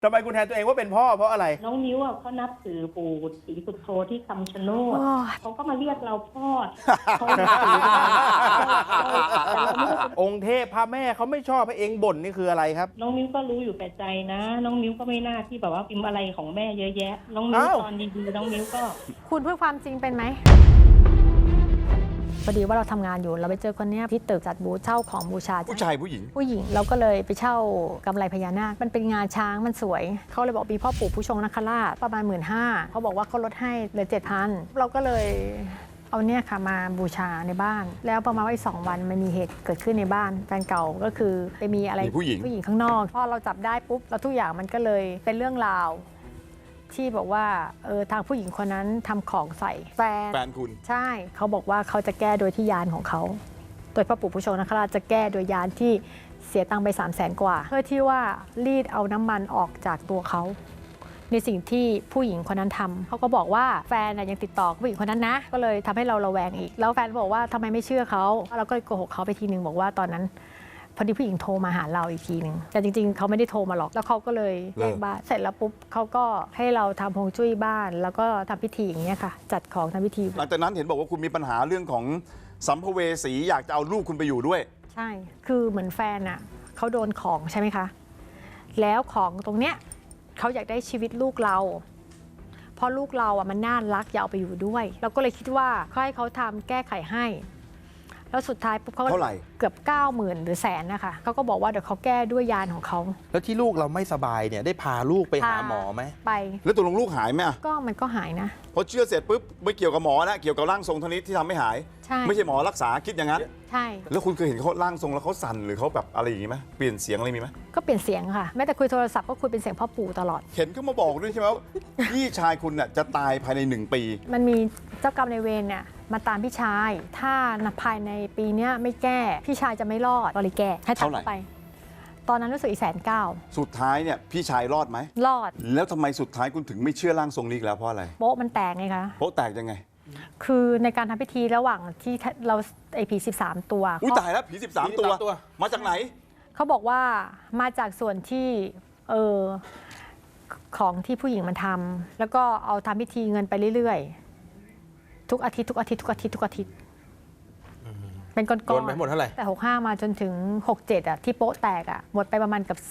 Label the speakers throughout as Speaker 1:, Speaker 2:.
Speaker 1: ทำไมคุณแทนตัวเองว่าเป็นพ่อเพราะอะไร
Speaker 2: น้องนิ้วเขานับถือปู่ศรีสุโธที่คำชะโนดเขาก็มาเรียกเราพ่อเขานับถือ
Speaker 1: องค์เทพพระแม่เขาไม่ชอบให้เองบ่นนี่คืออะไรครับ
Speaker 2: น้องนิ้วก็รู้อยู่แก่ใจนะ น้องนิ้วก็ไม่น่าที่แบบว่าพิมพ์อะไรของแม่เยอะแยะ น้องนิ้วตอนดีๆน้องนิ้วก็
Speaker 3: คุณพูดความจริงเป็นไหมพอดีว่าเราทำงานอยู่เราไปเจอคนนี้ที่ตึกจัดบูธเช่าของบูชา
Speaker 4: ผู้ชายผู้หญิง
Speaker 3: เราก็เลยไปเช่ากำไรพญานาคมันเป็นงาช้างมันสวยเขาเลยบอกมีพ่อปู่ผู้ชงนคราชประมาณ 15,000เขาบอกว่าเขาลดให้เหลือ 7,000 เราก็เลยเอาเนี่ยค่ะมาบูชาในบ้านแล้วประมาณว่าอีก2 วันมันมีเหตุเกิดขึ้นในบ้านแฟนเก่าก็คือไปมีอะไรผู้หญิงข้างนอกพอเราจับได้ปุ๊บแล้วทุกอย่างมันก็เลยเป็นเรื่องราวที่บอกว่าทางผู้หญิงคนนั้นทำของใส่แฟน
Speaker 4: คุณ
Speaker 3: ใช่เขาบอกว่าเขาจะแก้โดยที่ยานของเขาโดยพระปู่ผู้ชงนคราชจะแก้โดยยานที่เสียตังค์ไป300,000 กว่าเพื่อที่ว่ารีดเอาน้ำมันออกจากตัวเขาในสิ่งที่ผู้หญิงคนนั้นทำเขาก็บอกว่าแฟนยังติดต่อผู้หญิงคนนั้นนะก็เลยทำให้เราระแวงอีกแล้วแฟนบอกว่าทำไมไม่เชื่อเขาเราก็โกหกเขาไปทีนึงบอกว่าตอนนั้นพอดีผู้หญิงโทรมาหาเราอีกทีนึงแต่จริงๆเขาไม่ได้โทรมาหรอกแล้วเขาก็เลยแยกบ้านเสร็จแล้วปุ๊บเขาก็ให้เราทำฮวงจุ้ยบ้านแล้วก็ทำพิธีอย่างเงี้ยค่ะจัดของทำพิธี
Speaker 4: หลังจากนั้นเห็นบอกว่าคุณมีปัญหาเรื่องของสัมภเวสีอยากจะเอาลูกคุณไปอยู่ด้วย
Speaker 3: ใช่คือเหมือนแฟนอ่ะเขาโดนของใช่ไหมคะแล้วของตรงเนี้ยเขาอยากได้ชีวิตลูกเราเพราะลูกเราอ่ะมันน่ารักอยากเอาไปอยู่ด้วยเราก็เลยคิดว่าเขาให้เขาทำแก้ไขให้แล้วสุดท้ายปุ๊บเขาเกือบ 90,000 หรือ100,000นะคะเขาก็บอกว่าเดี๋ยวเขาแก้ด้วยยานของเขา
Speaker 1: แล้วที่ลูกเราไม่สบายเนี่ยได้พาลูกไปหาหมอไหม
Speaker 3: ไป
Speaker 4: แล้วตกลงลูกหายไหม
Speaker 3: ก็มันก็หายนะ
Speaker 4: พอเชื่อเสร็จปุ๊บไม่เกี่ยวกับหมอนะเกี่ยวกับร่างทรงเท่านี้ที่ทำไม่หายไม่ใช่หมอรักษาคิดอย่างนั้น
Speaker 3: ใช่
Speaker 4: แล้วคุณเคยเห็นเขาร่างทรงแล้วเขาสั่นหรือเขาแบบอะไรอย่างนี้ไหมเปลี่ยนเสียงอะไรมีไหม
Speaker 3: ก็เปลี่ยนเสียงค่ะแม้แต่คุยโทรศัพท์ก็คุยเป็นเสียงพ่อปู่ตลอด
Speaker 4: เห็นเขามาบอกด้วยใช่ไหมว่าพี่ชายคุณน่ะจะตายภายใน1 ปี
Speaker 3: มันมีเจ้ากรรมนายเวรเนี่ยมาตามพี่ชายถ้าภายในปีนี้ไม่แก้พี่ชายจะไม่รอดก็เลยแก้ให้ทักไปตอนนั้นรู้สึกอีก190,000
Speaker 4: สุดท้ายเนี่ยพี่ชายรอดไหม
Speaker 3: รอด
Speaker 4: แล้วทำไมสุดท้ายคุณถึงไม่เชื่อร่างทรงนี้แล้วเพราะอะไร
Speaker 3: โป๊ะมันแตกไงคะ
Speaker 4: โป๊ะแตกยังไง
Speaker 3: คือในการทำพิธีระหว่างที่เราไอผี13 ตัว
Speaker 4: อุ้ยตายแล้วผี13 ตัวมาจากไหน
Speaker 3: เขาบอกว่ามาจากส่วนที่ของที่ผู้หญิงมันทำแล้วก็เอาทำพิธีเงินไปเรื่อยๆทุกอาทิตย์เป็นก้อนๆ
Speaker 1: ไปหมดเท่าไหร่
Speaker 3: แต่65มาจนถึง67อ่ะที่โป๊ะแตกอ่ะหมดไปประมาณกับ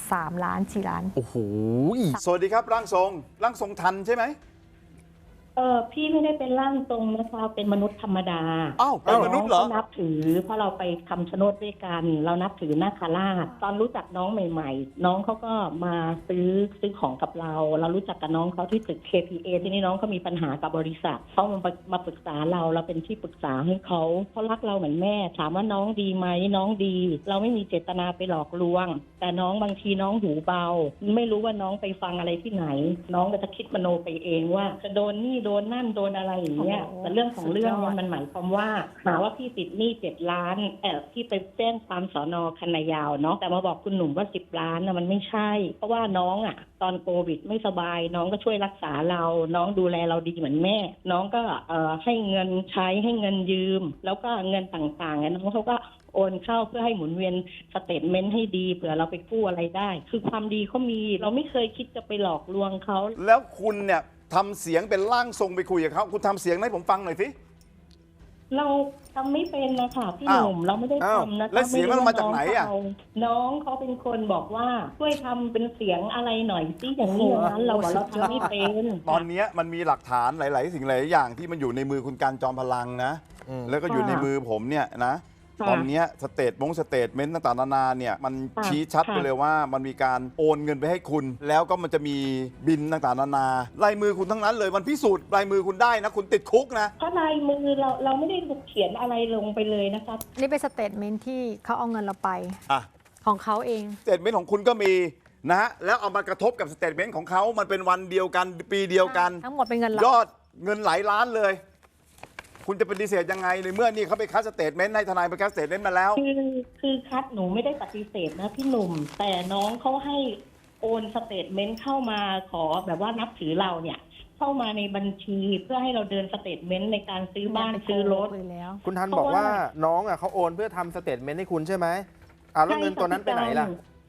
Speaker 3: 3 ล้าน4 ล้าน
Speaker 4: โอ้โหสวัสดีครับร่างทรงทันใช่ไหม
Speaker 2: พี่ไม่ได้เป็นร่างทรงนะคะเป็นมนุษย์ธรรมดา
Speaker 4: อ้าวเป็นมนุษย์เหรอ
Speaker 2: นับถือเพราะเราไปคำชะโนดด้วยกันเรานับถือนาคราชตอนรู้จักน้องใหม่ๆน้องเขาก็มาซื้อของกับเรารู้จักกับน้องเขาที่ตึก KPA ที่นี่น้องเขามีปัญหากับบริษัทเขามาปรึกษาเราเป็นที่ปรึกษาให้เขารักเราเหมือนแม่ถามว่าน้องดีไหมน้องดีเราไม่มีเจตนาไปหลอกลวงแต่น้องบางทีน้องหูเบาไม่รู้ว่าน้องไปฟังอะไรที่ไหนน้องก็จะคิดมโนไปเองว่าจะโดนนี่โดนนั่นโดนอะไรอย่างเงี้ยแต่เรื่องของเรื่องมันหมายความว่าหาว่าพี่ติดหนี้7 ล้านที่ไปแจ้งความสน.คันนายาวเนาะแต่มาบอกคุณหนุ่มว่า10 ล้านนะมันไม่ใช่เพราะว่าน้องตอนโควิดไม่สบายน้องก็ช่วยรักษาเราน้องดูแลเราดีเหมือนแม่น้องก็ให้เงินใช้ให้เงินยืมแล้วก็เงินต่างๆน้องเขาก็โอนเข้าเพื่อให้หมุนเวียนสเตทเมนต์ให้ดีเผื่อเราไปกู้อะไรได้คือความดีเขามีเราไม่เคยคิดจะไปหลอกลวงเขา
Speaker 4: แล้วคุณเนี่ยทำเสียงเป็นร่างทรงไปคุยกับเขาคุณทำเสียงให้ผมฟังหน่อยสิ
Speaker 2: เราทำไม่เป็นนะคะพี่หนุ่มเราไม่ได้ทำนะคะ
Speaker 4: แล้วเสียงมันมาจากไหน
Speaker 2: น้องเขาเป็นคนบอกว่าช่วยทำเป็นเสียงอะไรหน่อยสิอย่างนี้อย่างนั้นเราบอกเราทำไม่เป็น
Speaker 4: ตอนนี้มันมีหลักฐานหลายๆสิ่งหลายอย่างที่มันอยู่ในมือคุณการจอมพลังนะแล้วก็อยู่ในมือผมเนี่ยนะตอนนี้สเตทเมนต์ต่างๆนานาเนี่ยมันชี้ชัดไปเลยว่ามันมีการโอนเงินไปให้คุณแล้วก็มันจะมีบินต่างๆนานาลายมือคุณทั้งนั้นเลยมันพิสูจน์ลายมือคุณได้นะคุณติดคุกนะ
Speaker 2: เพราะลายมือเราไม่ได้เขียนอะไรลงไปเลยนะครับ
Speaker 3: นี่เป็นสเตทเมนต์ที่เขาเอาเงินเราไปของเขาเอง
Speaker 4: สเตทเมนต์ของคุณก็มีนะฮะแล้วเอามากระทบกับสเตทเมนต์ของเขามันเป็นวันเดียวกันปีเดียวกัน
Speaker 3: ทั้งหมดเป็นเงิน
Speaker 4: ยอดเงินหลายล้านเลยคุณจะปฏิเสธยังไงในเมื่อนี่เขาไปคัดสเตทเมนต์ให้ทนายไปคัดสเตทเมนต์มาแล้ว
Speaker 2: คือคัดหนูไม่ได้ปฏิเสธนะพี่หนุ่มแต่น้องเขาให้โอนสเตทเมนต์เข้ามาขอแบบว่านับถือเราเนี่ยเข้ามาในบัญชีเพื่อให้เราเดินสเตทเมนต์ในการซื้อบ้านซื้อรถ
Speaker 1: คุณทันบอกว่าน้องเขาโอนเพื่อทำสเตทเมนต์ให้คุณใช่ไหมแล้วเงินตัวนั้นไปไหนล่ะ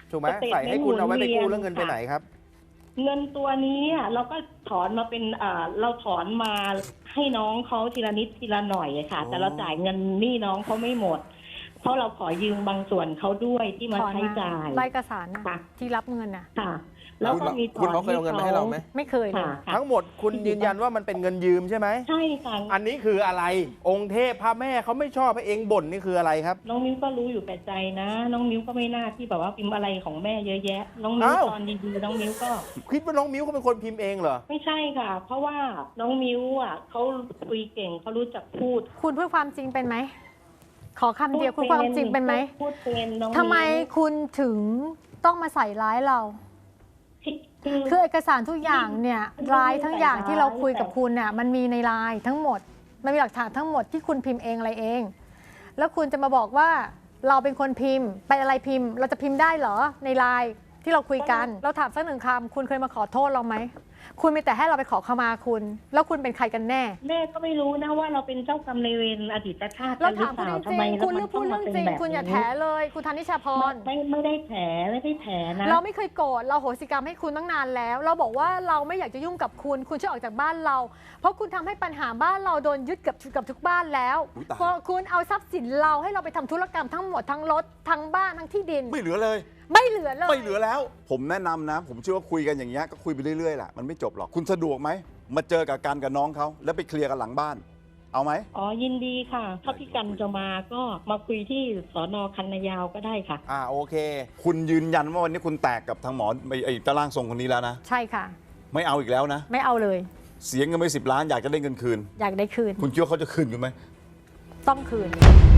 Speaker 1: ถูกไหม
Speaker 2: สเตท
Speaker 1: ใส่ให้คุณเอาไว้ไปกู้
Speaker 2: หมุนเวียน
Speaker 1: แล้วเงินไปไหนครับ
Speaker 2: เงินตัวนี้เราก็ถอนมาเป็นเราถอนมาให้น้องเขาทีละนิดทีละหน่อยค่ะ แต่เราจ่ายเงินหนี้น้องเขาไม่หมด เพราะเราขอยืมบางส่วนเขาด้วยที่มาใช้จ่าย
Speaker 3: ใบเอกสารนะ
Speaker 2: ค่ะ
Speaker 3: ที่รับเงินน่ะ
Speaker 2: ค่ะ แล้วก็มี
Speaker 5: คุณเขาเคยเอาเงินมาให้เราไหม
Speaker 3: ไม่เคยเลย
Speaker 2: ค่ะค่ะ
Speaker 1: ทั้งหมดคุณยืนยันว่ามันเป็นเงินยืมใช่ไหม
Speaker 2: ใช่ค่ะ
Speaker 1: อันนี้คืออะไร องค์เทพพระแม่เขาไม่ชอบให้เองบ่นนี่คืออะไรครับ
Speaker 2: น้องมิ้วก็รู้อยู่แก่ใจนะ น้องมิ้วก็ไม่น่าที่แบบว่าพิมพ์อะไรของแม่เยอะแยะ น้องมิ้ว
Speaker 1: อ้าว
Speaker 2: ตอนดีๆน้องมิ้วก็
Speaker 1: คิดว่าน้องมิ้วเขาเป็นคนพิมพ์เองเหรอ
Speaker 2: ไม่ใช่ค่ะ เพราะว่าน้องมิ้วเขาคุยเก่งเขารู้จักพูด
Speaker 3: คุณพูดความจริงเป็นไหม ขอคำเดียวคุณพูดความจริงเป็นไหม
Speaker 2: พูดเป็นน้อง
Speaker 3: ทำไม
Speaker 2: มิ้ว
Speaker 3: คุณถึงต้องมาใส่ร้ายเรา คือเอกสารทุกอย่างเนี่ยร้ายทั้งอย่างที่เราคุยกับคุณเนี่ยมันมีในไลน์ทั้งหมด มันมีหลักฐานทั้งหมดที่คุณพิมพ์เองอะไรเอง แล้วคุณจะมาบอกว่าเราเป็นคนพิมพ์ไปอะไรพิมพ์ เราจะพิมพ์ได้เหรอในไลน์ที่เราคุยกัน เราถามสักหนึ่งคำคุณเคยมาขอโทษเราไหมคุณมีแต่ให้เราไปขอขมาคุณ แล้วคุณเป็นใครกันแน่
Speaker 2: แม่ก็ไม่รู้นะว่าเราเป็นเจ้ากรรมนายเวรอดีตชาติ
Speaker 3: เรา
Speaker 2: หรื
Speaker 3: ถาม
Speaker 2: เป
Speaker 3: คุณ
Speaker 2: ล่า
Speaker 3: จริงๆคุณเลือกพูดเรื่องจริงคุณอย่าแถเลยคุณธนิชาพร
Speaker 2: ไม่ได้แถไม่ได้แถนะ
Speaker 3: เราไม่เคยโกรธเราโหสิกรรมให้คุณตั้งนานแล้ว เราบอกว่าเราไม่อยากจะยุ่งกับคุณคุณช่วยออกจากบ้านเรา เพราะคุณทำให้ปัญหาบ้านเราโดนยึดกับทุกบ้านแล้ว
Speaker 4: อุ๊ยตาย
Speaker 3: เพราะคุณเอาทรัพย์สินเราให้เราไปทำธุรกรรมทั้งหมดทั้งรถทั้งบ้านทั้งที่ดิน
Speaker 4: ไม่เหลือเลย
Speaker 3: ไม่เหลือเลย
Speaker 4: ไม่เหลือแล้ว ผมแนะนำนะ ผมเชื่อว่าคุยกันอย่างเงี้ยก็คุยไปเรื่อยๆแหละมันไม่จบหรอกคุณสะดวกไหมมาเจอกับกันกับน้องเขาแล้วไปเคลียร์กันหลังบ้าน เอาไหม
Speaker 2: อ๋อยินดีค่ะ ถ้าพี่กันจะมาก็มาคุยที่สน.คันนายาวก็ได้ค่ะ
Speaker 1: โอเค
Speaker 4: คุณยืนยันว่าวันนี้คุณแตกกับทางหมอไอ้ตะล่างทรงคนนี้แล้วนะ
Speaker 3: ใช่ค่ะ
Speaker 4: ไม่เอาอีกแล้วนะ
Speaker 3: ไม่เอาเลย
Speaker 4: เสียเงินไป10 ล้านอยากจะได้เงินคืน
Speaker 3: อยากได้คืน
Speaker 4: คุณคิดว่าเขาจะคืนคุณไหม
Speaker 3: ต้องคืน